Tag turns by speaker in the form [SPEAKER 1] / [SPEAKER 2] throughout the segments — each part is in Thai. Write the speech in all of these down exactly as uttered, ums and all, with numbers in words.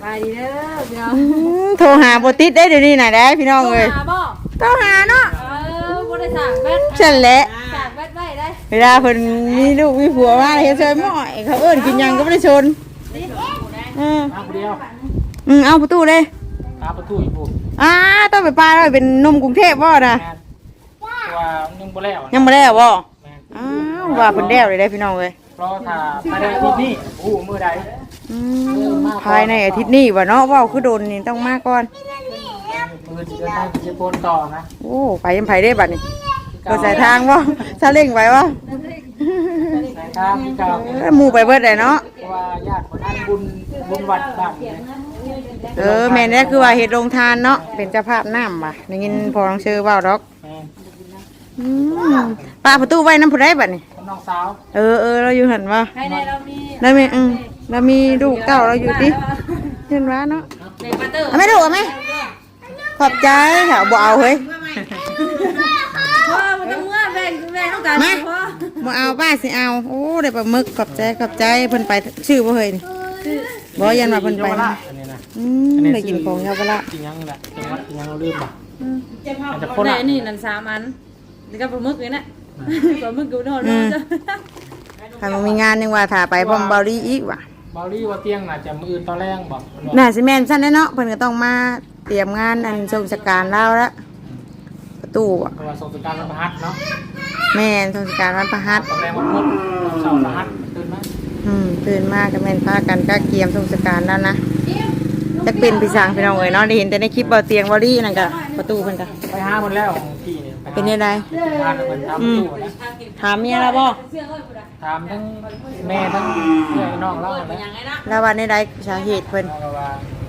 [SPEAKER 1] ไปดีเด้อพี่น้อง
[SPEAKER 2] โทรหาบ่ติดได้เดี๋ยวนี้น่ะได้พี่น้องเอ้ย
[SPEAKER 1] หาบ่
[SPEAKER 2] โทรหาเนาะ
[SPEAKER 1] เออบ่ได้สั่งแบต
[SPEAKER 2] ฉันแหละ
[SPEAKER 1] สั่งแบตไว้ได้
[SPEAKER 2] เวลาเพิ่นมีลูกมีผัวมาเฮ็ดเชยหม้อยเขาเอิ้นกินหยังก็บ่ได้ชนอือ
[SPEAKER 3] มาคนเดียว
[SPEAKER 2] อือเอาประตูเลย
[SPEAKER 3] ตาประตูอีกปุ๊บ
[SPEAKER 2] อ่าต้องไปปลาแล้วเป็นหนุ่มกรุงเทพบ่น่ะ
[SPEAKER 3] แม่ตัวยังบ่แล้ว
[SPEAKER 2] ยังบ่ได้บ่
[SPEAKER 3] แม่
[SPEAKER 2] อ้าวว่าเพิ่นแล้วเลยได้พี่น้องเอ้ย
[SPEAKER 3] รอถ้าภายในอาทิตย์นี้โอ้มื้อใด
[SPEAKER 2] อืมภายในอาทิตย์นี้ว่าเนาะเว้าคือโดนนี่ต้องมาก่อน
[SPEAKER 3] มื้อสิเดินทางสิโปนต่อนะ
[SPEAKER 2] โอ้ไปยังไผได้บัดนี้ก็สายทางบ่ซาเล้งไปบ่
[SPEAKER 3] สายทางที่เก่า
[SPEAKER 2] เอ้ยหมู่ไปเบิดได้เนาะ
[SPEAKER 3] เพราะว่าญาติคนนั้นบุญบุญวัดบ้านเนี่ย
[SPEAKER 2] เออแม่นเนี่ยคือว่าเฮ็ดโรงทานเนาะเป็นเจ้าภาพน้ำว่ะได้ยินพอน้องเชื่อเว้าดอก
[SPEAKER 3] แม่
[SPEAKER 2] อืมป้าประตูไว้นำผู้ใดบัดนี้
[SPEAKER 3] คนน้องสาว
[SPEAKER 2] เออเออเราอยู่หั่นบ่
[SPEAKER 1] ให้ในเรามี
[SPEAKER 2] แล้วมีอืมแล้วมีลูกเต้าเราอยู่ดิเห็นว่าเนาะ
[SPEAKER 1] เด็กมาเตอร์
[SPEAKER 2] เอาไม่ดูเอาไหมขอบใจค่ะบ่เอาเฮ้ย
[SPEAKER 1] พ่อมันต้องเมื่อแบ่งแบ่งต้องการ
[SPEAKER 2] มา
[SPEAKER 1] พ่อ
[SPEAKER 2] บ่เอาป้าสิเอาโอ้ได้ปลาหมึกขอบใจขอบใจเพิ่นไปชื่อบ่เฮ้ยนี่บ่ยันว่าเพิ่นไป
[SPEAKER 3] เยาว
[SPEAKER 2] นะ
[SPEAKER 3] ราชอันนี้นะ
[SPEAKER 2] อืมได้กินของเยาวราช
[SPEAKER 3] กินยังนี่แหละจังหวัดกินยังเราลืมป่ะอาจจะโค
[SPEAKER 1] คนไหน
[SPEAKER 3] ราช
[SPEAKER 1] นี่นั่นสามอันนี่ก็ปลาหมึกเลยนะปลาหมึกกูนอนนอนจ้ะ
[SPEAKER 2] ถ้ามันมีงานยังว่าถ้าไปพร้อมเบาดีอีกว่ะ
[SPEAKER 3] เบาลี่ว่าเตียงน่ะจะมื้ออื่นตอนแรกบอก
[SPEAKER 2] น่าสิแม่นซั่นแน่เนาะเพิ่นก็ต้องมาเตรียมงานอันทรงสการแล้วละประตูอ่ะ
[SPEAKER 3] เพราะว่าส่งสการวันพฤหัสเนาะ
[SPEAKER 2] แม่นทรงสการวันพฤหัส
[SPEAKER 3] ตอนแรกวันพุธเสาร์พฤหัสตื่นมา
[SPEAKER 2] อืมตื่นมาก็แม่นพากันก็เกียมทรงสการแล้วนะจะเป็นพี่สางพี่น้องเอ้ยเนาะได้เห็นแต่ในคลิปเบาเตียงเบาดีนั่นก็ประตูเพิ่นก็
[SPEAKER 3] ไปห้าหมดแล้วพี่เนี่ย
[SPEAKER 2] เป็นยังไง
[SPEAKER 3] บ้านมันทำตู้นะ
[SPEAKER 2] ถามเมียแล้วบ่
[SPEAKER 3] ถามทั้งแม่ทั้งเพื่อนน้องเล่าเลย
[SPEAKER 2] แล้ววันนี้ได้สาเหตุเพิ่น
[SPEAKER 3] เราก็ว่า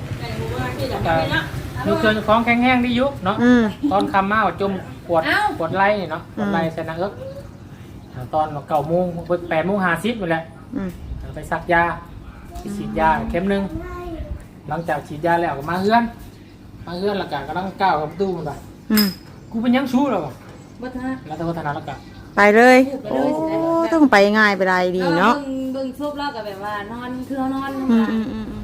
[SPEAKER 3] มีเครื่องของแข็งแห้งที่ยุบเนาะ
[SPEAKER 2] อืม
[SPEAKER 3] ตอนคำมาว่าจมปวดปวดไหล่เนาะปวดไหล่ใส่หนังเอิกตอนเก้าโมงแปดโมงห้าสิบหมดแหละ
[SPEAKER 2] อืม
[SPEAKER 3] ไปซักยาไปฉีดยาเข็มหนึ่งหลังจากฉีดยาแล้วก็มาเฮือนมาเฮือนแล้วก็กำลังก้าวกับตู้มันไป
[SPEAKER 2] อืม
[SPEAKER 3] กูเป็นยังชู้แล้วป่ะ
[SPEAKER 1] บัตรฮะ
[SPEAKER 3] แล้วแต่วัฒนาแล้วก็
[SPEAKER 2] ไปเลยโอ้ต้องไปง่ายไปได้ดีเนาะ
[SPEAKER 1] เบิ่งเบิ่งซุปแล้วก็แบบว่านอนคือเขานอน
[SPEAKER 2] อืมอืมอืมอืม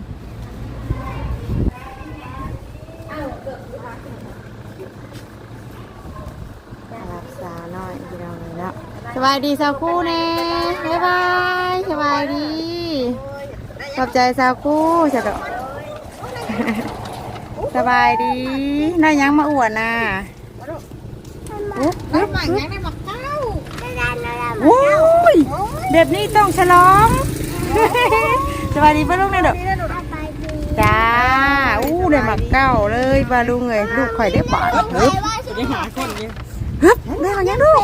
[SPEAKER 2] รับสาวน้อยพี่น้องเลยเนาะสบายดีสาวคู่แน่บ๊ายบายสบายดีขอบใจสาวคู่จ้ะดอก สบายดีได้ยังมาอวดน่ะโอ้ยแบบนี้ต้องฉลอง สบายดีป้าลุงนะเด้อจ้าอู้ได้มาเก้าเลยป้าลุงเลยลูกข่อยได้บาทเฮ้ยเฮ้ยได้มายังลูก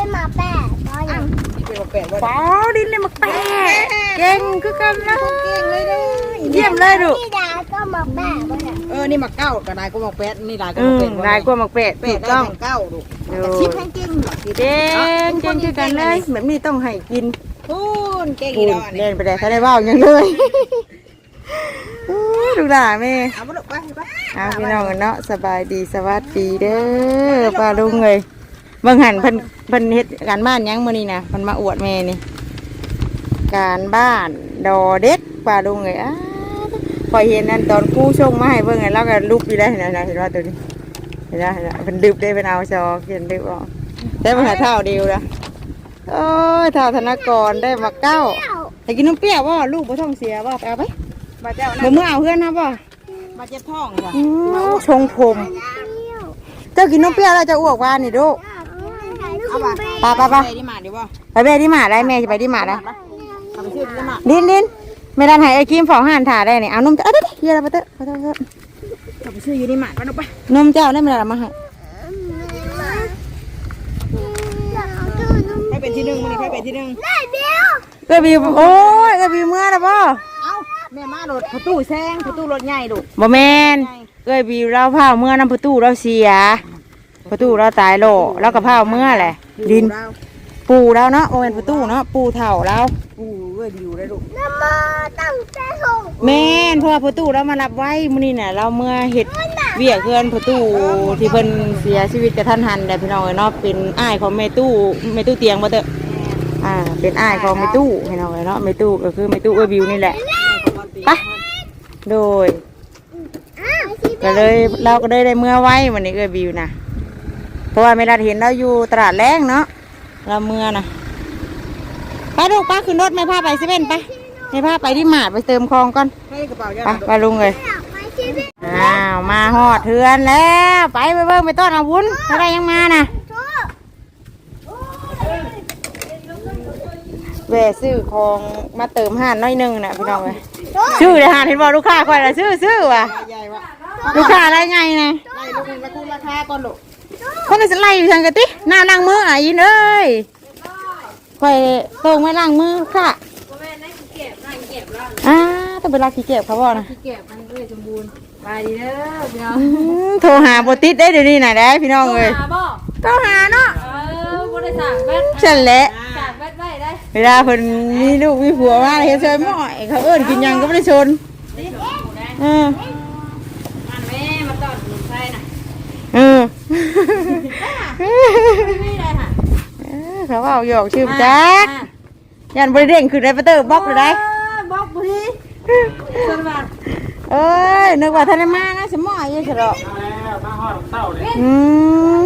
[SPEAKER 2] ป้าดินได้มาแปะเก่งคือกันนะเยี่ยมเลยดู
[SPEAKER 4] เออ นี่หมักเก้ากับนายก็หมักแปดนี่นายก็
[SPEAKER 2] อื
[SPEAKER 4] หมัก
[SPEAKER 2] ม
[SPEAKER 4] เป็ด
[SPEAKER 2] นายกลัวหมักเป็ด
[SPEAKER 4] เป็
[SPEAKER 2] ถู
[SPEAKER 4] ด
[SPEAKER 2] ก
[SPEAKER 4] ได้
[SPEAKER 2] ต้อง
[SPEAKER 4] แข่งเก้าดูก
[SPEAKER 2] ดู
[SPEAKER 4] แต่ชิปแข่งจริง
[SPEAKER 2] เก่งเก่งคือกันเลยแบบนี้ต้องให้กิน
[SPEAKER 4] พูนเก่ง
[SPEAKER 2] ปู
[SPEAKER 4] อี
[SPEAKER 2] น
[SPEAKER 4] ดอกนี่
[SPEAKER 2] เล่นไปได้ถ้าได้ว่าวยังเลยอู้ดูด่าแม่
[SPEAKER 4] เอามาลูกไปไป
[SPEAKER 2] เอาพี่น้องกันเนาะสบายดีสวัสดีเด้อป้าลุงเลยเบิ่งหันเพิ่นเพิ่นเฮ็ดการบ้านยังมื้อนี้นะเพิ่นมาอวดแม่นี่การบ้านดอเด็กป้าลุงเลยอ้าพอยเห็นนั่นตอนครูส่งมาให้เบิ่งไงแล้วก็ลุกอยู่ได้เห็นไหมเห็นว่าตัวนี้เห็นไหมเห็นไหมเพิ่นดึบได้เป็นเอาจอเขียนดึบออกได้มาหาเท่าเดียวละโอ้ยเท่าธนากรได้มาเก้าให้กินน้ำเปรี้ยวบ่ลูกบ่ท้องเสียบ่ไปเอาไป
[SPEAKER 4] มาเจ้า
[SPEAKER 2] บ่มื้อเอาเพื่อนนะบ่
[SPEAKER 4] มาเจ็บท้องจ้ะ
[SPEAKER 2] อืมชงผมเจ้ากินน้ำเปรี้ยวแล้วจะอ้วกว่านี่ลูก
[SPEAKER 4] เอาป่ะ
[SPEAKER 2] ไปไปไป
[SPEAKER 4] ที่มาดีบ่
[SPEAKER 2] ไปแม่ที่หมาได้แม่จะไปที่หมาได้
[SPEAKER 4] เอาไปชื่อที่มา
[SPEAKER 2] ดินดินไม่ได้ให้ไอ้ครีมฝองห่านถ่าได้เนี่ยเอานมเจ้าเอ้ยเดี๋ยวเดี๋ยวไปเถอะไปเถอะไปเถอะ
[SPEAKER 4] เอาไปชื่ออยู่ที่มาไปลูกไป
[SPEAKER 2] นมเจ้าได้ไม่ได้มาให้
[SPEAKER 4] ให้เป็นที่หนึ่งมันนี่ให้เป็นที่หนึ่ง
[SPEAKER 2] เอ้ยบีโอ้ยเอ้ยบีเมื่อนะบ่
[SPEAKER 4] เอาแม่มาโดดประตูแซงประตูรถใหญ่ลูก
[SPEAKER 2] บ่แมนเอ้ยบีเราพาเมื่อน้ำประตูเราเสียประตูเราตายโลแล้วก็พาเมื่อแหละดินปูเราเนาะโอ้ยประตูเนาะปูเถ่าเรา
[SPEAKER 4] ปูเว้ยดิวได้ลูก
[SPEAKER 2] แม่นเพราะว่าประตูเรามารับไว้มื้อนี้น่ะเราเมื่อเฮ็ดเวียกเพื่อนประตูที่เพิ่นเสียชีวิตกระทันหันแต่พี่น้องเอ้ยเนาะเป็นอ้ายของแม่ตู้แม่ตู้เตียงบ่เด้ออ่าเป็นอ้ายของแม่ตู้พี่น้องเอ้ยเนาะแม่ตู้ก็คือแม่ตู้เอ้ยบิวนี่แหละไปโดยก็เลยเราก็ได้ได้เมื่อไว้วันนี้เอ้ยบิวนะเพราะว่าไม่ได้เห็นเราอยู่ตลาดแรงเนาะเราเมื่อนะไปลูกป้าขึ้นรถไม่พาไปเซเว่นไปไม่พาไปที่หมาดไปเติมคลองก่อน
[SPEAKER 4] ให้กระเป๋า
[SPEAKER 2] ไปไปลุงเลยอ้าวมาหอดเทือนแล้วไปไปเบิ่งไปต้อนอาวุธอะไรยังมานะแหวซื้อของมาเติมห่านน้อยหนึงนะพี่น้องเลยชื่อเลยห่านเห็นบอกลูกค้าคอยละชื่อชื่อว่ะ
[SPEAKER 4] ใหญ่วะ
[SPEAKER 2] ลูกค้าอะไรไงนะ
[SPEAKER 4] ไล่ลูกนึงมาคูราคาก่อนลูก
[SPEAKER 2] คนจะไล่อยู่ทางกะติหน้าล้างมืออ่ะยินเอ้ยคอยตรงไว้ล้างมือค่ะอ่าต้องไปรักขี้เก็บเขาบอกนะ
[SPEAKER 1] เก็บมันเลยสมบูรณ์ไปดีเด้อพี่น้อง
[SPEAKER 2] อืมโทรหาโบติดได้เดี๋ยวนี้หน่อยได้พี่น้องเลย
[SPEAKER 1] หาบ่
[SPEAKER 2] โทรหาเนาะ
[SPEAKER 1] เออบ่ได้สั่งแบต
[SPEAKER 2] ฉันแหละ
[SPEAKER 1] สั่งแบตไว้ได้
[SPEAKER 2] เวลาเพิ่นมีลูกมีผัวมาเฮ็ดเชยหม้อยเขาเอิ้นกินหยังก็ไม่ได้ชนเออ
[SPEAKER 1] มันแม่มาตอดหนุนไส้น่ะ
[SPEAKER 2] เออ
[SPEAKER 1] ไม่ได้ค่ะ
[SPEAKER 2] เออเขาเอาหยอกชื่อจักยันบริเด้งคือได้ประเตอร์บล็อกเลยได้
[SPEAKER 1] บล็อกบ่ดีสวัสดี
[SPEAKER 2] เอ้ยนึกว่าท่านได้มานะสมอยอยู่เฉลอ
[SPEAKER 3] มาแล้วมาฮอดเต้าเลย
[SPEAKER 2] อืม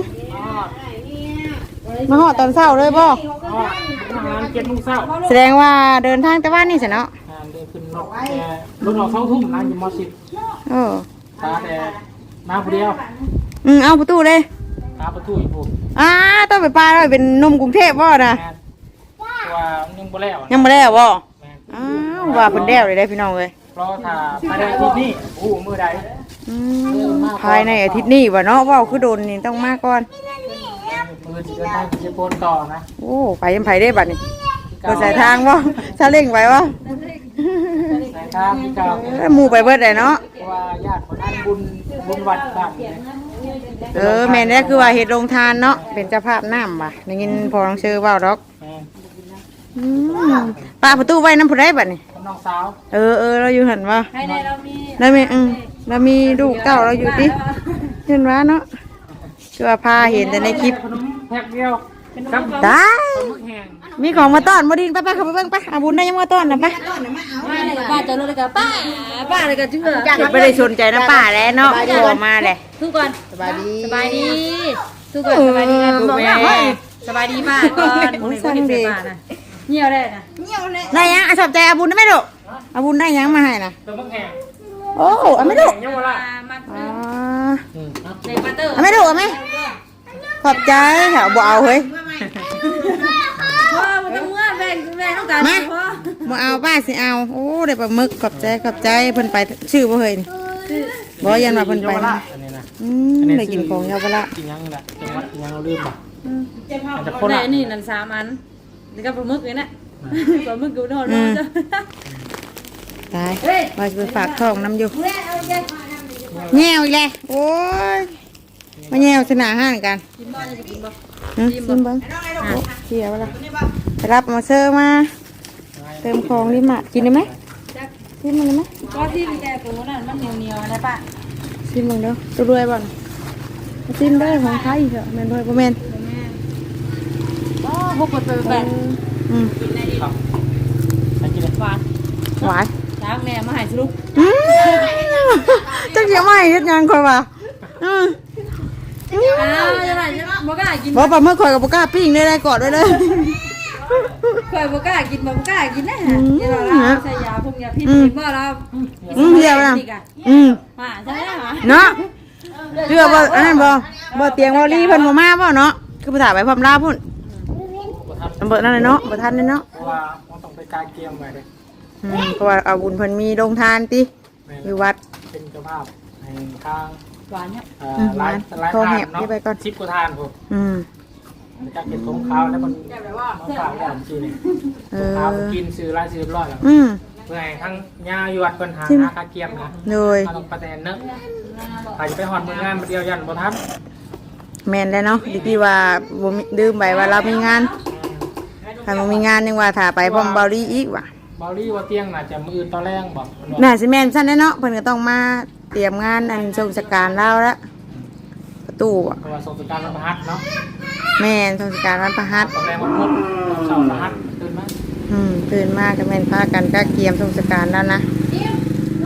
[SPEAKER 3] มาฮอด
[SPEAKER 2] มาหอดตอนเช้าเลยบ่
[SPEAKER 3] ฮอดทำงานเจ็ดโมงเช้า
[SPEAKER 2] แสดงว่าเดินทางแต่ว่านี่สิเนาะ
[SPEAKER 3] อ่าเดินขึ้นรถแต่รถออกเช้าทุ่มนั่งอยู่มอสิบ
[SPEAKER 2] เออ
[SPEAKER 3] ตาแต่มาผู้เดียว
[SPEAKER 2] อืมเอาประตูเลย
[SPEAKER 3] ตาประตูอีกพวก
[SPEAKER 2] อ่าต้องไปปลาเลยเป็นหนุ่มกรุงเทพบ่นะ
[SPEAKER 3] แม่นตัวยังบ่แล้ว
[SPEAKER 2] ยังไม่ได้บ่
[SPEAKER 3] แม่น
[SPEAKER 2] อ้าวว่าเพิ่นแล้วเลยได้พี่น้องเลย
[SPEAKER 3] เพราะถ้าภายในอาทิตย์นี้โอ้มือใด
[SPEAKER 2] อืมภายในอาทิตย์นี้วะเนาะว่าวคือโดนนี่ต้องมาก่อน
[SPEAKER 3] มือจะเดินทางจะโปนต่อนะ
[SPEAKER 2] โอ้ไปยังไผได้บัดนี้ก็ใส่ทางบ่ซาเล้งไปบ่
[SPEAKER 3] สายทางที่เก่า
[SPEAKER 2] เอ้ยหมู่ไปเบิดได้เนาะ
[SPEAKER 3] เพราะว่าญาติคนนั้นบุญบุญวัดบ้านเนี่ย
[SPEAKER 2] เออแม่นเนี่ยคือว่าเฮ็ดโรงทานเนาะเป็นเจ้าภาพน้ำว่ะได้ยินพอน้องเชื่อเว้าดอก
[SPEAKER 3] แม่น
[SPEAKER 2] อืมป้าประตูไว้นำผู้ใดบัดนี้
[SPEAKER 3] คนน้องสาว
[SPEAKER 2] เออเออเราอยู่หั่นว่า
[SPEAKER 1] ให้ในเรามี
[SPEAKER 2] แล้วมีอืมเรามีลูกเต้าเราอยู่ติเห็นว่าเนาะคือว่าพาเห็นแต่ในคลิป
[SPEAKER 3] ขนมแพ็คเดียวครับ
[SPEAKER 2] ตาย
[SPEAKER 3] มึกแห้ง
[SPEAKER 2] มีของมาต้อนบ่ดินไปไปเข้าไปเบิ่งไปอาบุญได้ยังมาต้อนน่ะไป
[SPEAKER 1] ป้าเลยป้าจะรู้เลยกับป้าป้าเลยกับเชื่อ
[SPEAKER 2] เก็บไม่ได้สนใจนะป้าแล้วเนาะพอมาเลย
[SPEAKER 1] ทุกคน
[SPEAKER 4] สบายดี
[SPEAKER 1] สบายดีทุกคนสบายดีกันบอกว่าสบายดีมากก่อนเงี่ยวได้นะ
[SPEAKER 2] ได้ยังอ่ะสอบใจอาบุญได้ไหมลูกอาบุญได้ยังมาให้นะ
[SPEAKER 3] ตัวมึกแห้ง
[SPEAKER 2] โอ้เอาไม่ลูก
[SPEAKER 3] ยังบ่ละ
[SPEAKER 1] มา
[SPEAKER 2] อ๋อ
[SPEAKER 3] อืมครับ
[SPEAKER 1] ในปัตเตอร์
[SPEAKER 2] เอาไม่ลูกเอาไหมขอบใจแถวบ่เอาเฮ้ย
[SPEAKER 1] พ่อมันต้องเมื่อแม่แม่ต้องการพ่อ
[SPEAKER 2] บ่เอาป้าสิเอาโอ้ได้ปลาหมึกขอบใจขอบใจเพิ่นไปชื่อบ่เฮ้ยนี่บ่ยันว่าเพิ่นไป
[SPEAKER 3] เยาว
[SPEAKER 2] นะ
[SPEAKER 3] ราชอันนี้นะ
[SPEAKER 2] อืมได้กินของเยาวราช
[SPEAKER 3] กินยังแหละจังหวัดยังเราลืมป่ะอาจจะ
[SPEAKER 1] ค
[SPEAKER 3] คน
[SPEAKER 1] นไหน
[SPEAKER 3] ละ
[SPEAKER 1] นี่นั่นสามอันนี่ก็ปลาหมึกเลยนะปลาหมึกกูนอนนอนจ้ะ
[SPEAKER 2] ตายว่าจะไปฝากท้องน้ำอยู่แง่วอีกแล้วโอ้ยมาแง่วสนาห้านกัน
[SPEAKER 1] กินบ้านจะกินบ้าน
[SPEAKER 2] อืมซิมเบิ้งโอ้เสียเวลาไปรับมาเซอร์มา เติมของนี่มากินได้ไหมซิมมันได้ไหม
[SPEAKER 1] ก็ที่แกกูนั่นมันเหนียวเหนียวนะป้า
[SPEAKER 2] ซิมมึงเด้อตัวรวยบ่อนซิมได้ของไทยเถอะแมนด้วยบ่แมน
[SPEAKER 1] โอ้พวกคนไปแบบ
[SPEAKER 2] อืม
[SPEAKER 1] กินได้ดี
[SPEAKER 3] ครับใครกินเลย
[SPEAKER 1] หวาน
[SPEAKER 2] หวาน
[SPEAKER 1] ช้างแม่มาหายสรุป
[SPEAKER 2] อืมจังเสียไม่เฮ็ดหยังคอยว่าอืม
[SPEAKER 1] อ้าวจะไหนจะบอกกล้ากิน
[SPEAKER 2] บ่ปลาเมื่อคอยกับบ่กล้าปิ้งได้ได้กอดไว้เลย
[SPEAKER 1] เคยบอกกล้ากินบอกกล้ากินนะฮะเดี๋ยวเราใส่ยาพวกยาพิษกินบ่เรา
[SPEAKER 2] อืมเดียวนะอืม
[SPEAKER 1] มาใช่ไหมคะ
[SPEAKER 2] เนาะเชื่อบ่อันนั้นบ่บ่เตียงบ่รีเพิ่นบ่มาบ่เนาะคือภาษาไปพร้อมลาพุ่น
[SPEAKER 3] บ่ทัน
[SPEAKER 2] อำเภอนั่นน่ะเนาะบ่ทันเลยเนาะ
[SPEAKER 3] เพราะว่ามันต้องไปกายเกมไว้เลย
[SPEAKER 2] อืมเพราะว่าเอาบุญเพิ่นมีโรงทานติอยู่วัด
[SPEAKER 3] เป็นเจ้าภาพในทาง
[SPEAKER 1] หวานเนี่ย
[SPEAKER 3] เอ่อร้านร้าน
[SPEAKER 2] โทร
[SPEAKER 3] ทา
[SPEAKER 2] แห
[SPEAKER 3] น
[SPEAKER 2] บ
[SPEAKER 3] เนาะ
[SPEAKER 2] นี่ไปก่อน
[SPEAKER 3] ชิปกูทานผม
[SPEAKER 2] อืม
[SPEAKER 3] จากเก็บทงขาวแล้วมันมันฝากแล้วจริงนี่
[SPEAKER 2] เอ
[SPEAKER 3] ขาว
[SPEAKER 2] อ
[SPEAKER 3] กินซื้อร้านซื้อเรียบร้อยแล้ว
[SPEAKER 2] อืม
[SPEAKER 3] เพื่อให้ทั้งยาอยู่วัดปัญหาหาคาเกียมนะ
[SPEAKER 2] โดย
[SPEAKER 3] ถ้าต้องประแตนเนอะอาจจะไปหอนมืองานมาเดียวยันบ่ทัน
[SPEAKER 2] แม่นแล้วเนาะดิที่ว่าบ่มีลืมไปว่าเรามีงานถ้าบ่มีงานยังว่าถ้าไปพร้อมเบาลีอีกว่ะ
[SPEAKER 3] บอลี่ว่าเตียงน่าจะมืออื่นตอนแรกบอก
[SPEAKER 2] น่าสิแม่นซั่นแน่เนาะเพิ่นก็ต้องมาเตรียมงานอันทรงราชการแล้วละประตูอ่ะ
[SPEAKER 3] เพราะว่าสงสการวันพฤหัสเนาะ
[SPEAKER 2] แม่นทรงราชการวันพฤหัส
[SPEAKER 3] ตอนแรกวันพุธเสาร์พฤหัสตื่นมา
[SPEAKER 2] อืมตื่นมาก็แม่นพากันก็เกียมทรงราชการแล้วนะ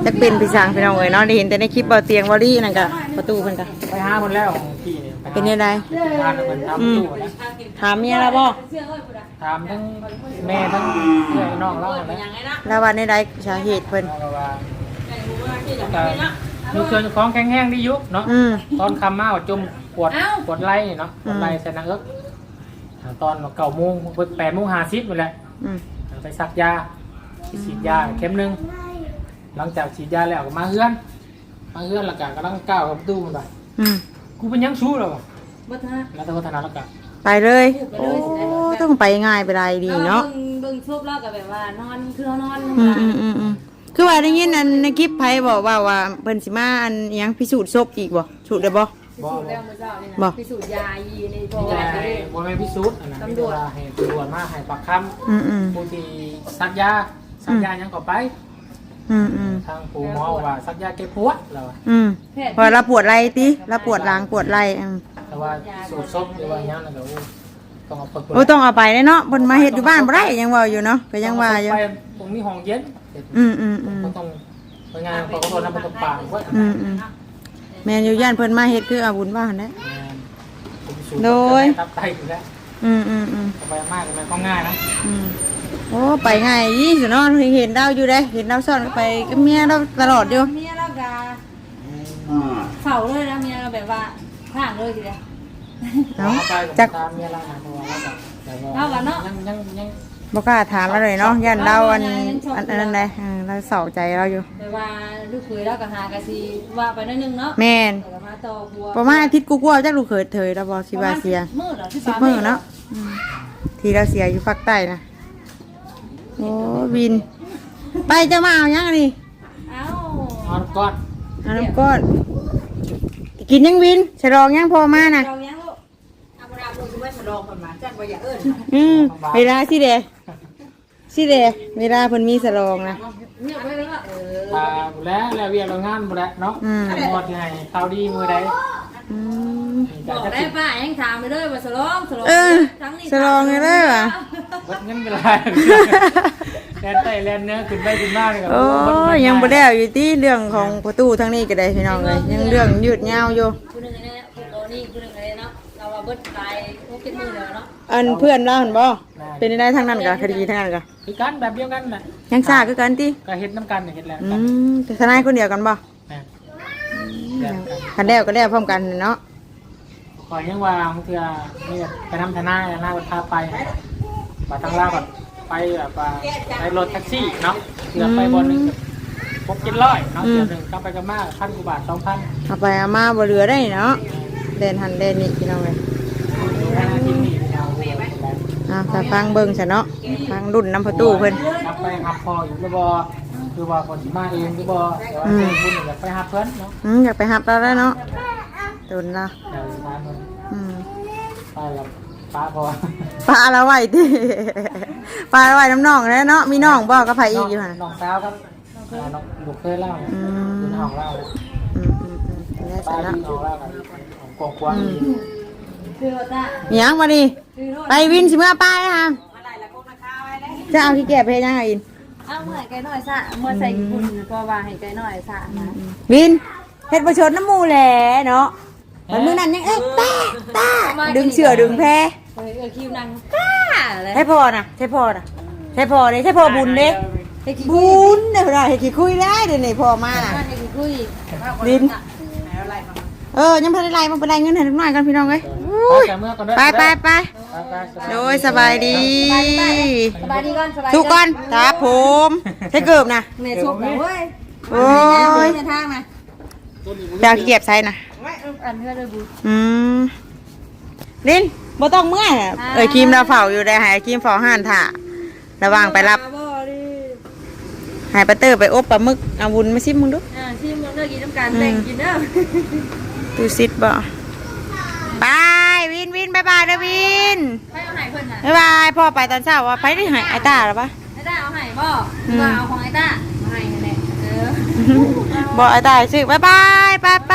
[SPEAKER 2] จักเป็นพี่สางพี่น้องเอ้ยเนาะได้เห็นแต่ในคลิปเบาเตียงวอรี่นั่นก็ประตูเพิ่นก็
[SPEAKER 3] ไปหาคนแล้วพี่เนี่ย
[SPEAKER 2] เป็นยังไง
[SPEAKER 3] ทานเหมือนทำตู้นะ
[SPEAKER 2] ถามเมียแล้วบ่
[SPEAKER 3] ถามทั้งแม่ทั้งเพื่อนน้องเล่าเลย
[SPEAKER 2] แล้วว่าในใดสาเหตุเพิ่น
[SPEAKER 3] เราว่าแต่มีเครื่องของแข็งแห้งที่ยุบเนาะ
[SPEAKER 2] อืม
[SPEAKER 3] ตอนคำมาจมปวดปวดไหล่เนาะปวดไหล่ใส่หนังเอิ๊กตอนเก้าโมงแปดโมงห้าสิบหมดแหละ
[SPEAKER 2] อืม
[SPEAKER 3] ไปซักยาฉีดยาเข็มหนึ่งหลังจากฉีดยาแล้วก็มาเฮือนมาเฮือนแล้วก็กำลังก้าวกับตู้มันไป
[SPEAKER 2] อืม
[SPEAKER 3] กูเป็นยังชู้หรอวะ
[SPEAKER 1] บ่ทัน
[SPEAKER 3] แล้วแต่วัฒนธรรมแล้วก็
[SPEAKER 2] ไปเลยโอ้ต้องไปง่ายไปได้ดีเนาะ
[SPEAKER 1] เบิ่งเบิ่งซุปแล้วก็แบบว่านอนคือเฮานอน
[SPEAKER 2] อืมอืมอืมอืมคือว่าได้ยินอันในคลิปไผบอกว่าว่าเพิ่นสิมาอันอิหยังพิสูจน์ศพอีกบ่สูตรได้บ่
[SPEAKER 3] บ
[SPEAKER 1] พิ
[SPEAKER 3] อ
[SPEAKER 1] สู
[SPEAKER 3] ก
[SPEAKER 1] จน์แล้วมื้อเช้านี่
[SPEAKER 2] บ่
[SPEAKER 1] นะพิสูจน์ยายีในบ่
[SPEAKER 3] ไม่ใช่บอแม่พิสูจน์อันนั้นตำรวจให้ตำรวจมาให้ปากค
[SPEAKER 2] อืมอืม
[SPEAKER 3] ำผู้ที่ซักยาซักยายังก็ไป
[SPEAKER 2] อืมอืม
[SPEAKER 3] ทางปู่หมอว่าซักยาแก้ปวดเรา
[SPEAKER 2] อืมพอเราปวดไหล่ติเราปวดหลังปวดไหล่อืม
[SPEAKER 3] แต่ว่าสูตรซบหรือว่าอย่างนั้นก็ต้องเอาไป
[SPEAKER 2] โอ้ต้องเอาไปเลยเนาะเพิ่นมาเฮ็ดอยู่บ้านบ่ได้ยังว่าอยู่เนาะก็ยังว่าอยู่
[SPEAKER 3] ไปตรงนี้ห้องเย็น
[SPEAKER 2] อืมอืมอืม
[SPEAKER 3] ก็ต้องไปงานเขาก็ต้องนำไปตกปลาไว้
[SPEAKER 2] อืมอืมแม่นอยู่ย่านเพิ่นมาเฮ็ดคืออาบุญว่าหั่นแหละ โดย
[SPEAKER 3] ตับไตอยู่แล้ว
[SPEAKER 2] อืมอืมอืม
[SPEAKER 3] ไปมากมันก็ง่ายนะ
[SPEAKER 2] อืมโอ้ไปง่ายยี่สิเนาะเห็นดาวอยู่เด้เห็นดาวซ่อนไปกับเมียเราตลอดอยู่
[SPEAKER 1] เมียเราก็เฝ้าเลยนะเมียเราแบบว่าข้างเลยทีเดียว
[SPEAKER 2] เนาะ
[SPEAKER 3] ไป
[SPEAKER 2] จัก
[SPEAKER 3] ตามเมียเราหาตัวแล้วก็แต่
[SPEAKER 1] เอาวะเนาะ
[SPEAKER 3] ยังยังยัง
[SPEAKER 2] บ่กล้าถามเราเลยเนาะย่านดาวอันอันอันนั้นเลยเราเศร้าใจเราอยู่
[SPEAKER 1] แบบว่าลูกเขยเราก็หากะสิว่าไปหนิดนึงเนาะ
[SPEAKER 2] แม่น
[SPEAKER 1] แต่ก็มาต่อบัว
[SPEAKER 2] ประมาณอาทิตย์กูกลัวจักลูกเขยเถยเราบ่สิว่าเสีย
[SPEAKER 1] มื้อเหรอที่
[SPEAKER 2] สิบมื้อเนาะอืมที่เราเสียอยู่ภาคใต้นะโอ้วิน ไปจะมาเอายังนี่
[SPEAKER 1] เอ้า
[SPEAKER 3] นอนก้อน
[SPEAKER 2] เอาน้ำก้อนกินยังวินฉลองยังพอมานะ
[SPEAKER 1] เรายังลูกเอาบ่ได้ลูกสิว่าฉลองเพิ่นมาจักบ่อย่าเอิ้น
[SPEAKER 2] อืมเวลาสิเดสิเดเวลาเพิ่นมีฉลองนะ
[SPEAKER 1] เงียบไว้เลยว่าเออ
[SPEAKER 3] ตาหมดแล้วแล้วเวียนเรางานหมดแล้วเนาะ
[SPEAKER 2] อืม
[SPEAKER 3] หมดยังไงข่าวดีมือใด
[SPEAKER 2] อืม
[SPEAKER 1] บอกได้ป้ายังถามไปเลยว่าฉลองฉลอง
[SPEAKER 2] เออ
[SPEAKER 1] ทั้งนี้
[SPEAKER 2] ฉลองเลยเด้อว่ะ
[SPEAKER 3] วัดเงินเวลาแลนไตแลนเนื้อขึ้นไปขึ้นมาเลยครับ
[SPEAKER 2] โอ้ยยังบ่ได้วอยู่ที่เรื่องของประตูทางนี้ก็ได้พี่น้องเลยยังเรื่องยืดยาวอยู่
[SPEAKER 1] ผู้หนึงอันนี้ผู้โตนี่ผู้หนึงอันนี้เนาะเราว่าเบิดตายพวกกินมือแล้วเนาะ
[SPEAKER 2] อันเพื่อนเราเห็นบ่เป็นได้ทางนั้นกะคดีทางนั้นกะ
[SPEAKER 3] คือกันแบบเดียวกันแหละ
[SPEAKER 2] ยังซ่าคือกันติ
[SPEAKER 3] ก็เห็ดน้ำกันเห็ดแล้ว
[SPEAKER 2] อืมแต่ทนายคนเดียวกันบ่
[SPEAKER 3] นะแบบกัน
[SPEAKER 2] คันแล้วก็แล้วพร้อมกันเนาะ
[SPEAKER 3] ขอยังว่าบางเทื่อนี่ไปทำทนายทนายวัดพาไปมาทางลาแบบไปแบบว่าไปรถแท็กซี่เนาะเทื่อไปบนหนึ่งพกกินร้อยเนาะเทื่อหนึ่งก็ไปกันมากพันกว่าบาทสองพัน
[SPEAKER 2] เอาไปเอามาบ่เหลือได้เนาะเดินหันเดินนี่พี่น้องเลย
[SPEAKER 3] ห้าทีนี่เอาไป
[SPEAKER 2] อ่าถ้าฟังเบิ่งซะเนาะฟังรุ่นน้ำประตูเพิ่น
[SPEAKER 3] นับไปหับพออยู่หรือบ่คือว่าคนที่มาเองหรือบ่แต่ว่าเพื่อนคุณอยากไปหับเพิ่นเนาะ
[SPEAKER 2] อืมอยากไปหับเราแล้วเนาะตุนละ
[SPEAKER 3] เดี๋ยวทานเพิ่น
[SPEAKER 2] อืม
[SPEAKER 3] ไปแล้วป้าพอ
[SPEAKER 2] ปลาละไว้ติ ปลาละไว้น้ำน้องแล้วเนาะมีน้องบ่กับไผอีกอยู่หั่น
[SPEAKER 3] น้องสาวครับอ่าน้องบุกเคยเล่า
[SPEAKER 2] อืม
[SPEAKER 3] คุณห้องเล่า
[SPEAKER 2] อืมอืมอืมได้
[SPEAKER 3] ป้า
[SPEAKER 2] ซะเนาะ
[SPEAKER 3] ที่ห้องเล่ากันของกองกวาง
[SPEAKER 1] คือว่าจ้า
[SPEAKER 2] มีหยังมาดิ
[SPEAKER 1] คือโทษ
[SPEAKER 2] ไปวินสิเมื่อป้ายนะคะจะเอาที่แก้เพลยังไงอิน
[SPEAKER 1] เอาเมื่อไก่น้อยซะเมื่อใส่ญี่ปุ่นก็ว่าให้ไก่น้อยซะนะ
[SPEAKER 2] วินเฮ็ดประชดน้ำหมูแหละเนาะมันมือนั้นยังเอ๊ะตาตาดึงเชือดึงแพ
[SPEAKER 1] เออเออคิวนังก้าเลย
[SPEAKER 2] ใช่พอนะใช่พอนะใช่พอเลยใช่พอบุญเด้
[SPEAKER 1] ให้ขี้คุ
[SPEAKER 2] บุ
[SPEAKER 1] ย
[SPEAKER 2] ญเด้อเราให้ขี้คุยได้เดี๋ยวนี้พอมาน่ะ
[SPEAKER 1] ให้ขี้คุย
[SPEAKER 2] วินเออยังพันได้ไล่มาไปไล่เงินให้ลูกน้อยกันพี่น้องเอ้ยอุ้ย
[SPEAKER 3] ไปเมื่อก่อนด้วย
[SPEAKER 2] ไปไปไปโดยสบายดี
[SPEAKER 1] สบายดีก่อนสบาย
[SPEAKER 2] ทุกคนครับผมใช้เกือบนะ
[SPEAKER 1] เมย์ชุบเว้ย
[SPEAKER 2] โอ้ย
[SPEAKER 1] ในทางนะ
[SPEAKER 2] ดาวขี้เกียจใส่นะ
[SPEAKER 1] อันเพื่อเลยบุ
[SPEAKER 2] อืมลินบ่ต้องเมื่อยน่ะเอ้ยครีมเราเฝ้าอยู่ได้ให้ครีมเฝ้าห้านถ่าระวังไปรับให้ปาเตอร์ไปอบปลาหมึกเอาวุ้นมาซิมมึงดู
[SPEAKER 1] อ่าที่มึงเลิกกินน้ำกันแต่งกินเด้อ
[SPEAKER 2] ตูซิดบ่บายวินวินบายบายนะวิน
[SPEAKER 1] ไปเอาไหนเพิ่นน่ะ
[SPEAKER 2] บายบายพ่อไปตอนเช้าว่าไปได้หายไอ้ตาหรอปะ
[SPEAKER 1] ไอ้ต้าเอาไหนบ่ว่าเอาของไอ้ต้าเอาไหนนั่นแหละเออ
[SPEAKER 2] บอกไอ้ตาซื้อบายบายไปไป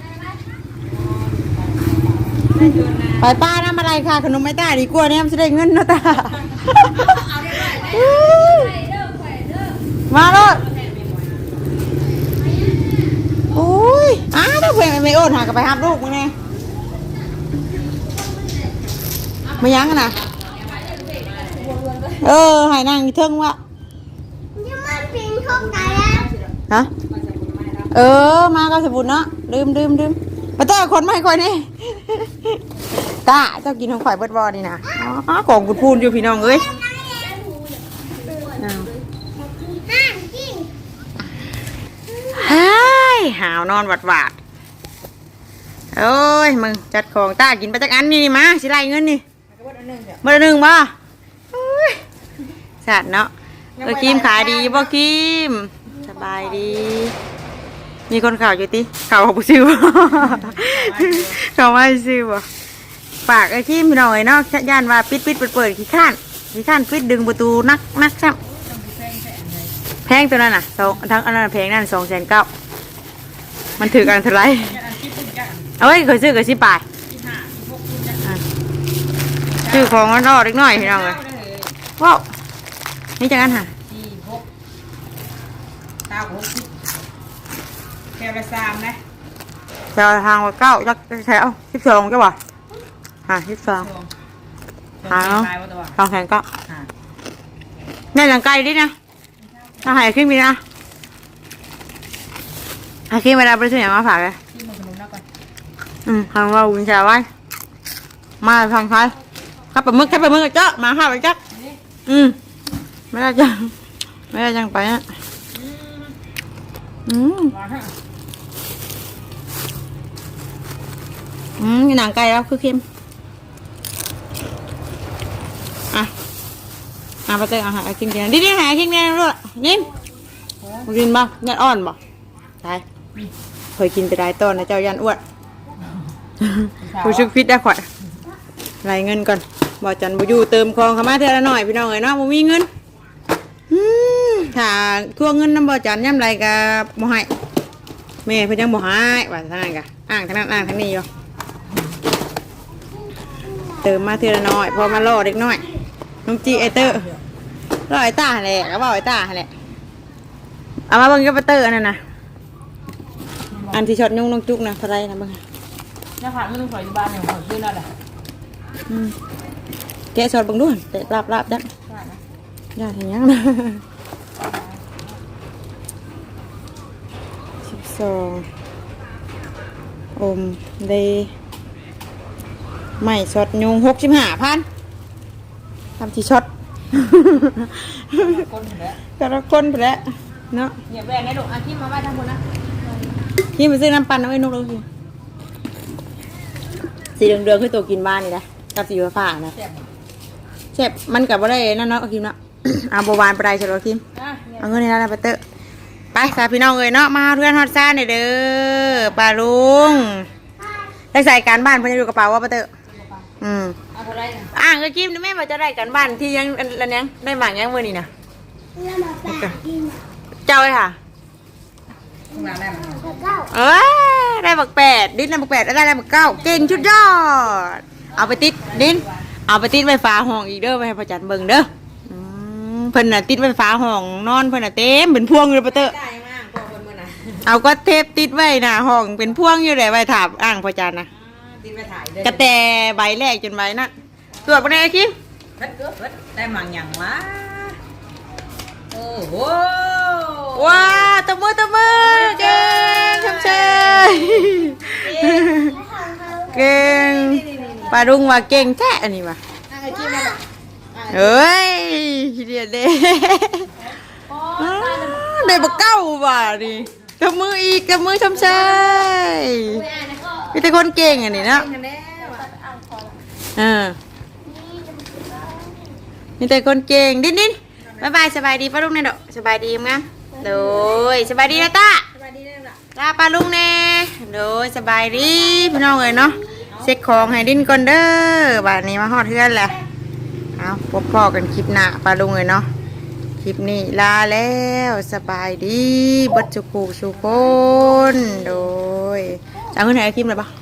[SPEAKER 2] ไปป้าน้ำอะไรค่ะขนมไอ้ตาดีกว่าเนี่ยมันจะได้เงินเนาะตามาเลยโอ้ยอ้าวเพื่อนไม่โอนหากับไปหับลูกมึงไงมายังกันนะเออหายนางเทิงวะฮะเออมาก็สบุนเนาะดื่มดื่มดื่มมาเตอร์คนไม่ค่อยนี่ตาเจ้ากินของข่อยเบิดบอนี่นะอ๋อของกุดพูนอยู่พี่น้องเอ้ยเฮ้ยหาวนอนหวัดหวาดโอ้ยมึงจัดของตากินไปจักอันนี่มาสิไรเงินนี่เบอร์หนึ่งบ่สัตว์เนาะเออคิมขายดีบ่คิมสบายดีมีคนข่าวอยู่ติข่าวของผู้ซื้อบ่ข่าวไม่ซื้อบ่ฝากไอ้คิมพี่น้อยเนาะย่านว่าปิดปิดเปิดเปิดขี้ข้านขี้ข้านปิดดึงประตูนักนักซ้ำแพงตัวนั้นน่ะสองทั้งอันนั้นแพงนั่นสองแสนเก้ามันถือกันเท่าไรเอาไว้เคยซื้อกับสิบาทซื้อของมันรอดเล็กน้อยพี่น้องเลยว้าวนี่จังกันค่ะ
[SPEAKER 4] สี่หกเก้าหกสิบแค่ละสามนะ
[SPEAKER 2] แถวทางว่าเก้าจักแถวสิบสองจ้ะวะฮะสิบสองหาเนาะสองแสนเก้านี่หลังไกลดินะถ้าหายขึ้นมีนะหายขึ้นเวลาไปซื้ออย่างมาฝากเลยอืมทางเราวินชาไว้มาทางไทยขับไปมึกขับไปมึกเจ้ามาห้าไปจักอืมไม่ได้จังไม่ได้จังไปอ่ะอืมอืมหนังไก่แล้วคือเค็มอ่ะอ่ะไปเจออาหารกินกันดิดิหากินกันด้วยนิ่มกินบ้างยันอ่อนบ่ใช่เคยกินไปได้ต้นนะเจ้ายันอ้วนผู้ชุกพิษได้ข่อยรายเงินก่อนบ่จันบ่อยู่เติมคลองเข้ามาเท่าละหน่อยพี่น้องเอ้ยเนาะบ่มีเงินถ้าทวงเงินน้ำบ่จันย่ำไรกับบ่ให้แม่เพิ่นยังบ่ให้ว่าทางนั้นกะอ้างทางนั้นอ้างทางนี้อยู่เติมมาเท่าละน้อยพอมาล่อเด็กน้อยน้องจีไอเตอร์ล่อไอตาแหละก็บอกไอตาแหละเอามาเบิ่งกับไอเตอร์อันนั้นนะอันที่ช็อตยุ่งน้องจุกนะเท่าไรนะเบิ่ง
[SPEAKER 4] น้าผากไม่ต้องขออยู่บ้านเนี่ยขอซื้อนั่นแหละ
[SPEAKER 2] แกะช็อตเบิ่งด้วยแต่ลาบลาบจังยากอย่างยังนะสิบสองอมเดไม่ช็อตยุงหกสิบห้าพันทำที่ช็อต
[SPEAKER 4] คนแล้ว
[SPEAKER 2] กระคนไปแล้วเนาะ
[SPEAKER 4] อย่าแบ่งให้ลูกอาชีพมาไว้ทางบนนะ
[SPEAKER 2] ที่ไปซื้อน้ำปั่นเอาไว้นกเลยสิสีเหลืองๆคือตัวกินบ้านนี่นะกับสีฟ้าๆนะเจ็บมันกับว่าได้นั่นเนาะคิมเนาะ เอาบวานไปได้ใช่ไหมคิมเอาเงินในร้านไปเตอะไปสาพี่น้องเลยเนาะมาเพื่อนฮอตซ่าเนี่ยเด้อปลาลุงได้ใส่การบ้านเพื่อนอยู่กระเป๋าว่าไปเตอะอืม
[SPEAKER 4] เอาเท่าไรนะ
[SPEAKER 2] อ่างก็คิมแม่มาจะได้การบ้านที่ยังอันยังได้หมากยังเมื่อนี่นะเจ้าเลยค่ะ
[SPEAKER 4] ข้างหลังได้ไหม
[SPEAKER 2] เอ้ยได้บักแปดดิ้นได้บักแปดได้ได้บักเก้าเก่งชุดยอดเอาไปติดดิ้นเอาไปติดไฟฟ้าห้องอีกเด้อไปให้พ่อจันเบิ่งเด้ออืมเพิ่นน่ะติดไฟฟ้าห้องนอนเพิ่นน่ะเต็มเป็นพวงอยู่เลยปะเตอ
[SPEAKER 4] ได้มากพอคนเมื่อนะ
[SPEAKER 2] เอาก็เทปติดไว้น่ะห้องเป็นพวงอยู่เลยไว้ถามอ่างพ่อจันนะ
[SPEAKER 4] ติดไปถ่ายเด้
[SPEAKER 2] กระแตใบแรกจนใบนั้นตรวจบ่ได้คิม
[SPEAKER 4] เพิ่นเกิดเพิ่นได้หมังอย่างวะโอ้โห
[SPEAKER 2] ว้าตบมือตบมือเก่งชมเชยเก่งปลาดุงว่าเก่งแท้อันนี้ว่ะ
[SPEAKER 4] อาชีพมา
[SPEAKER 2] เอ้ยเดียดเด้ได้บักเก้าว่ะนี่กับมืออีกกับมือชมเชยมีแต่คนเก่งอันนี้เนาะเออมีแต่คนเก่งดิ้นดิ้นบายบายสบายดีป้าลุงเนี่ยเด้อสบายดีมั้งโดยสบายดีนะตา
[SPEAKER 4] สบายดีเลยล่ะ
[SPEAKER 2] ลาป้าลุงเน่โดยสบายดีพี่น้องเอ้ยเนาะเช็คของให้ดิ้นก่อนเด้อบ้านนี้มาฮอดเทือนแหละเอาพบพ่อกันคลิปหน้าป้าลุงเอ้ยเนาะคลิปนี้ลาแล้วสบายดีบัดจุกูสุคนโดยจะเอาเงินไหนคลิปเลยปะ